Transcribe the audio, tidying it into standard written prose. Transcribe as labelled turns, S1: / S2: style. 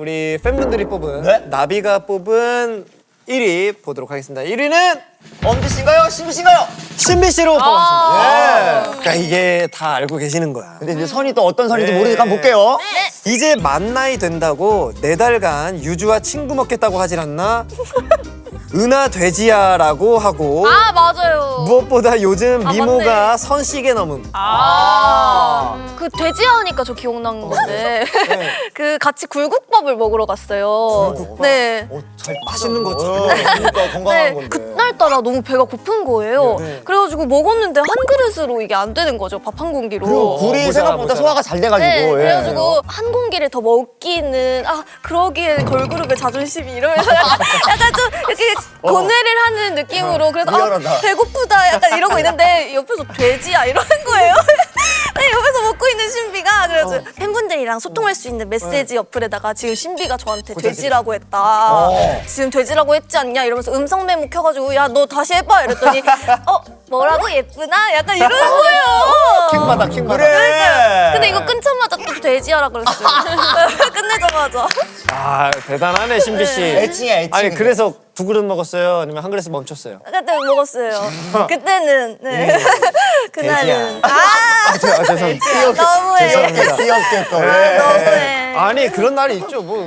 S1: 우리 팬분들이 뽑은
S2: 네?
S1: 나비가 뽑은 1위 보도록 하겠습니다. 1위는
S2: 엄지 씨인가요? 신비 씨인가요?
S1: 신비 씨로 뽑았습니다. 그러니까 이게 다 알고 계시는 거야.
S2: 근데 이제 선이 또 어떤 선인지
S1: 네.
S2: 모르니까 한번 볼게요.
S1: 이제 만 나이 된다고 4달간 유주와 친구 먹겠다고 하질 않나? 은하 돼지야라고 하고
S3: 아 맞아요.
S1: 무엇보다 요즘
S3: 아,
S1: 미모가 선씨게 넘음.
S3: 그 돼지하니까 저 기억난 건데 그 같이 굴국밥을 먹으러 갔어요. 네.
S2: 잘
S1: 맛있는 거
S2: 그러니까 건강한
S3: 네,
S2: 건데.
S3: 그날따라 너무 배가 고픈 거예요.
S1: 네.
S3: 그래가지고 먹었는데 한 그릇으로 이게 안 되는 거죠. 밥 한 공기로.
S2: 굴이
S1: 모자라,
S2: 생각보다
S1: 모자라.
S2: 소화가 잘 돼가지고.
S3: 네,
S2: 예.
S3: 그래가지고 한 공기를 더 먹기는 그러기엔 걸그룹의 자존심이 이러면서 약간 좀 이렇게 고뇌를 하는 느낌으로 그래서
S2: 미안하다.
S3: 배고프다 약간 이러고 있는데 옆에서 돼지야 이러는 거예요. 네, 옆에서 먹고 있는 신비가 그래서 팬분들이랑 소통할 수 있는 메시지 어플에다가 지금 신비가 저한테 돼지라고 했다. 지금 돼지라고 했지 않냐 이러면서 음성 메모 켜가지고 야 너 다시 해봐 이랬더니 뭐라고 예쁘나 약간 이러는 거예요.
S2: 킹받아, 킹받아.
S3: 그러니까. 근데 이거 끊자마자 또 돼지하라 그랬어요. 끝내자마자.
S1: 아 대단하네 신비 씨.
S2: 애칭이야, 애칭.
S1: 아니 그래서 2그릇 먹었어요? 아니면 한 그릇에 멈췄어요?
S3: 그때 먹었어요. 그때는 네. 그날은
S1: 죄송합니다.
S3: 너무해.
S1: 죄송합니다.
S2: 귀엽게 또.
S3: 너무해.
S1: 아니 그런 날이 있죠. 뭐